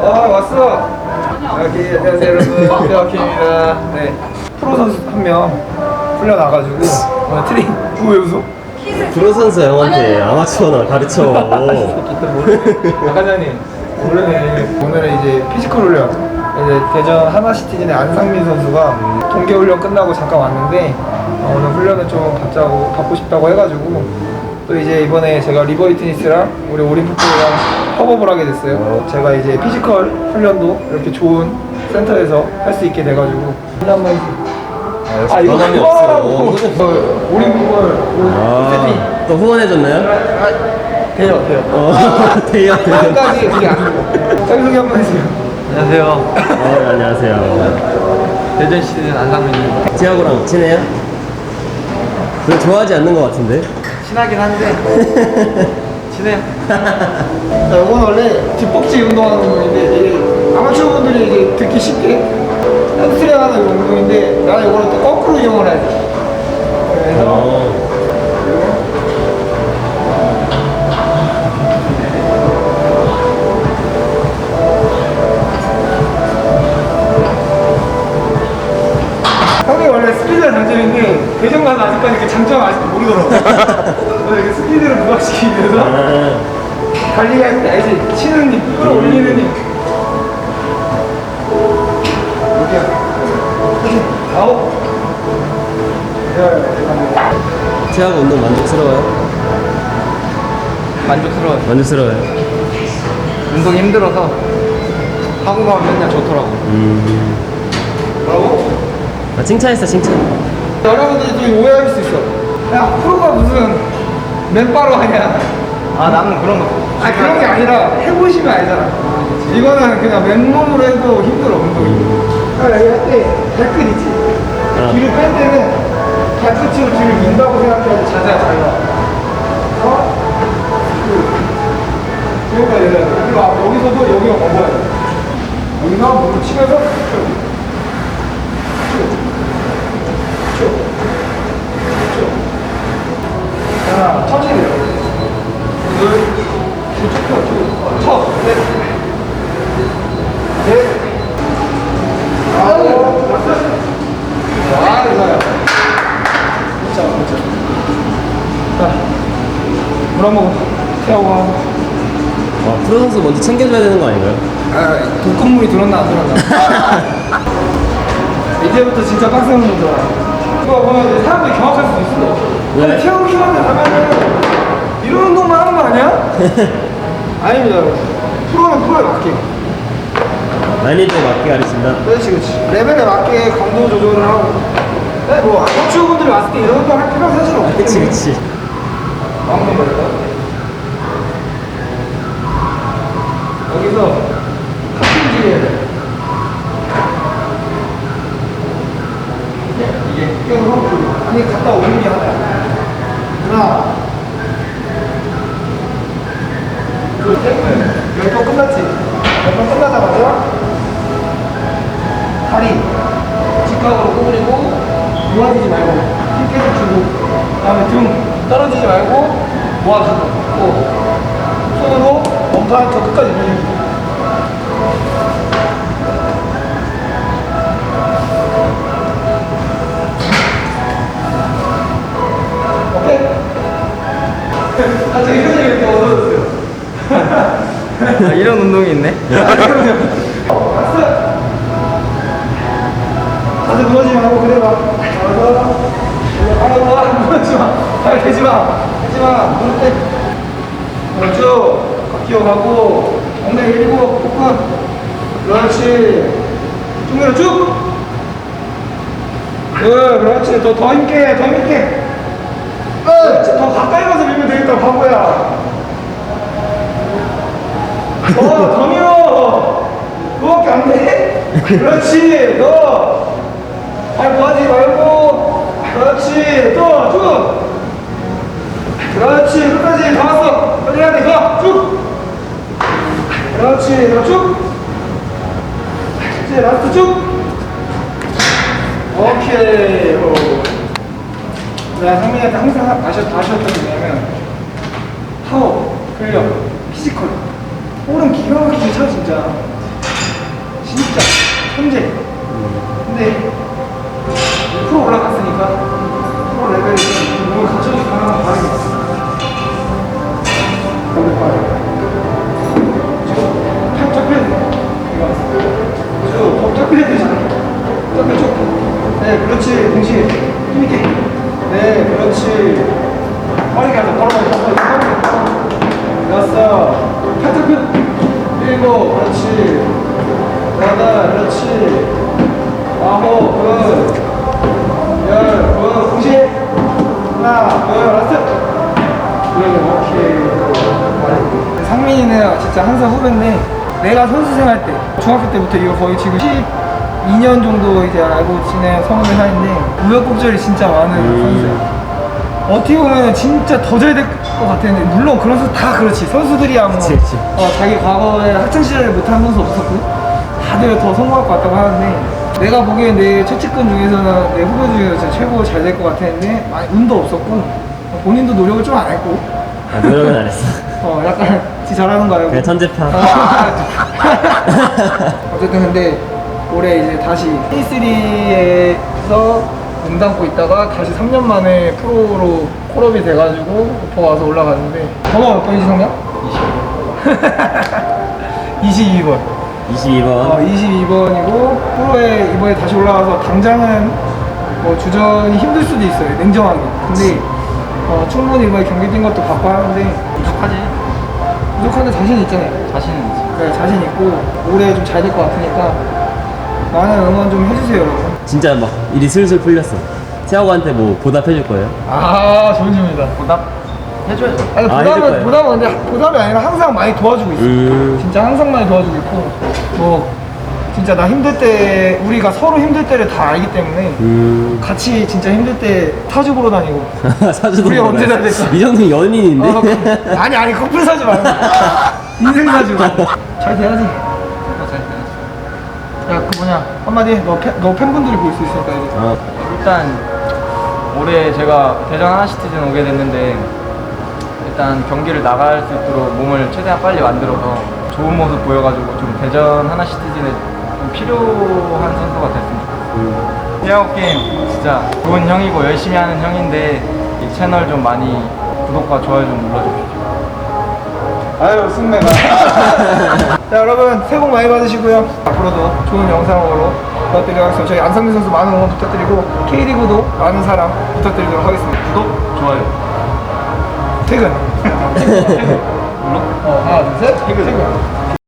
왔어. 여기 안녕하세요 여러분. 대학입니다. 네. 프로 선수 한 명 풀려 나가지고 오늘 트레이닝. 왜 웃어? 프로 선수 형한테 아마추어나 가르쳐. 과장님 모르네. 오늘은 이제 피지컬 훈련. 이제 대전 하나시티즌의 안상민 선수가 동계 훈련 끝나고 잠깐 왔는데 오늘 훈련을 좀 받고 싶다고 해가지고 또 이제 이번에 제가 리버이트니스랑 우리 오림풋볼이랑 협업을 하게 됐어요. 제가 이제 피지컬 훈련도 이렇게 좋은 센터에서 할 수 있게 돼가지고 훈련만 이거 부담이 그거라고. 없어. 오림풋볼 세팅. 또 후원해줬나요? 돼요. 돼요. 끝까지 그게 안 되고. 자기소개 한번 해주세요. 안녕하세요. 안녕하세요. 대전 시즌 안상민입니다. 티아고랑 친해요? 별로 좋아하지 않는 것 같은데? 친하긴 한데 친해요. 이건 원래 뒷벅지 운동하는 운동인데 이게 아마추어 분들이 이제 듣기 쉽게 햄스트링 하는 운동인데 나는 이거를 또 거꾸로 이용을 해야 돼. 그래서 형이 원래 스피드가 장점인데 대전 가서 아직까지 그 장점 아직도 모르더라고. 그래서 이렇게 스피드를 부각시키기 위해서 달리기 할 때 알지? 치는 힘, 끌어올리는 힘. 이렇게 아홉. 티아고 운동 만족스러워요? 만족스러워요. 만족스러워요. 운동이 힘들어서 하고 가면 맨날 좋더라고. 뭐라고? 아, 칭찬했어, 칭찬. 여러분들이 좀 오해할 수 있어. 야, 프로가 무슨 맨바로 하냐? 아 나는 그런 거. 그런 게 아니라 해보시면 알잖아. 이거는 그냥 맨몸으로 해도 힘들어, 운동이. 여기 할때 발끝 있지? 뒤를 뺄 때는 발끝으로 뒤를 민다고 생각해야지 자세가 잘 나와. 그러니까 그리고 여기서도 여기가 먹어야 돼. 여기서 몸을 치면서 자, 천천히 내려. 첫, 넷, 아홉, 좋아요. 자, 물 한 모금 태우고. 와, 프로 선수 먼저 챙겨줘야 되는 거 아닌가요? 독극물이 들었나 안 들었나. 이제부터 진짜 빡센 운동 들어가. 이거 보면 사람들이 경악할 수도 있어. 근데 태우 키워드 가면은 이런 운동만 하는 거 아니야? 아닙니다, 여러분. 프로는 프로에 맞게. 난이도에 맞게 가르친다. 그렇지. 레벨에 맞게 강도 조절을 하고. 네, 뭐 아마추어 분들이 왔을 때 이런 운동 할 필요가 사실 없기 때문에. 그치. 막는 거예요. 여기서 카팅질 해야 돼. 이게 계속 하고 아니 갔다 오는 게 하나야. 하나, 둘, 셋. 몇 번 끝났지? 몇 번 끝나자마자 다리 직각으로 구부리고 모아지지 말고 힘 계속 주고 그다음에 등 떨어지지 말고 모아주고 또 손으로 멈춰서 끝까지 밀고. 오케이? 아, 저기 표정이 이렇게 어두워졌어요. 아, 이런 운동이 있네. 왔어. 자세 무너지지 말고 그대로 와. 무너지지 마. 발 대지 마. 대지 마. 무릎 대. 쭉. 기어가고 엉덩이 밀고 복근. 그렇지. 쭉 밀어 쭉. 그렇지. 더 힘있게 더 힘있게. 그렇지. 더 가까이 가서 밀면 되겠다 바보야. 더 밀어. 그거밖에 안 돼? 그렇지. 너. 발 모아지 말고. 그렇지. 또 쭉. 그렇지. 끝까지 다 왔어. 빨리 해야 돼. 가. 쭉. 그렇지. 너 쭉. 이제 라스트 쭉. 오케이. 내가 상민이한테 항상 아쉬웠던 게 뭐냐면 파워, 근력, 피지컬. 볼은 기가 막히게 차 진짜. 진짜 천재. 근데 프로 올라갔으니까 프로 레벨이 몸을 갖춰줄 가능한 바람이 있어. 팔 펴야 돼. 이거 더 펴야 되잖아. 쭉. 네, 그렇지. 동시에 힘있게. 네, 그렇지. 빠르게 하자. 빠르게. 여섯. 팔 펴. 일곱. 그렇지. 여덟. 그렇지. 아홉. 굿. 열. 굿. 동시에. 하나. 둘. 라스트. 오케이. 상민이는 진짜 한 살 후배인데 내가 선수 생활 때 중학교 때부터 이거 거의 지금 12년 정도 이제 알고 지낸 성우의 사이인데 우여곡절이 진짜 많은 선수예요. 어떻게 보면 진짜 더 잘 될 것 같았는데 물론 그런 선수 다 그렇지. 선수들이야 뭐 그치. 자기 과거에 학창시절에 못한 선수 없었고 다들 더 성공할 것 같다고 하는데 내가 보기엔 내 최측근 중에서는 내 후배 중에서 진짜 최고 잘 될 것 같았는데 많이 운도 없었고 본인도 노력을 좀 안 했고 노력은 안 했어. 약간 지 잘하는 거 알고 그냥 천재파. 어쨌든 근데 올해 이제 다시 K3에서 몸담고 있다가 다시 3년 만에 프로로 콜업이 돼가지고 오퍼 와서 올라갔는데 번호가 몇 번이지 성명? 22번 22번. 22번이고 프로에 이번에 다시 올라가서 당장은 뭐 주전이 힘들 수도 있어요 냉정하게. 근데 충분히 이번에 경기 뛴 것도 봤고 하는데 부족하지. 부족한데 자신 있잖아요. 자신은 있지. 네, 자신 있고 올해 좀 잘 될 것 같으니까 많은 응원 좀 해주세요 여러분. 진짜 막 일이 슬슬 풀렸어. 세하고한테 뭐 보답해줄 거예요? 좋은 질문이다. 보답 해줘야죠. 아니 해줄 거예요. 보답이 아니라 항상 많이 도와주고 있어. 진짜 항상 많이 도와주고 있고 뭐 진짜 나 힘들 때 우리가 서로 힘들 때를 다 알기 때문에 같이 진짜 힘들 때 사주 보러 다니고 사주도 우리 몰라요. 언제 다 됐어? 이 정도면 연인인데? 아니 커플 사주 말고 인생 사주. 잘 돼야지. 야 그 뭐냐 한마디 해. 너 팬분들이 볼 수 있으니까 이제. 일단 올해 제가 대전 하나시티즌 오게 됐는데 일단 경기를 나갈 수 있도록 몸을 최대한 빨리 만들어서 좋은 모습 보여가지고 좀 대전 하나시티즌에 좀 필요한 선수가 됐으면 좋겠어요. 피아오 게임 진짜 좋은 형이고 열심히 하는 형인데 이 채널 좀 많이 구독과 좋아요 좀 눌러주십시오. 아유 승매가. 자 여러분 새해 복 많이 받으시고요. 앞으로도 좋은 영상으로 부탁드리도록 하겠습니다. 저희 안상민 선수 많은 응원 부탁드리고 K리그도 많은 사랑 부탁드리도록 하겠습니다. 구독, 좋아요. 퇴근. 물론 하나 둘 셋. 퇴근.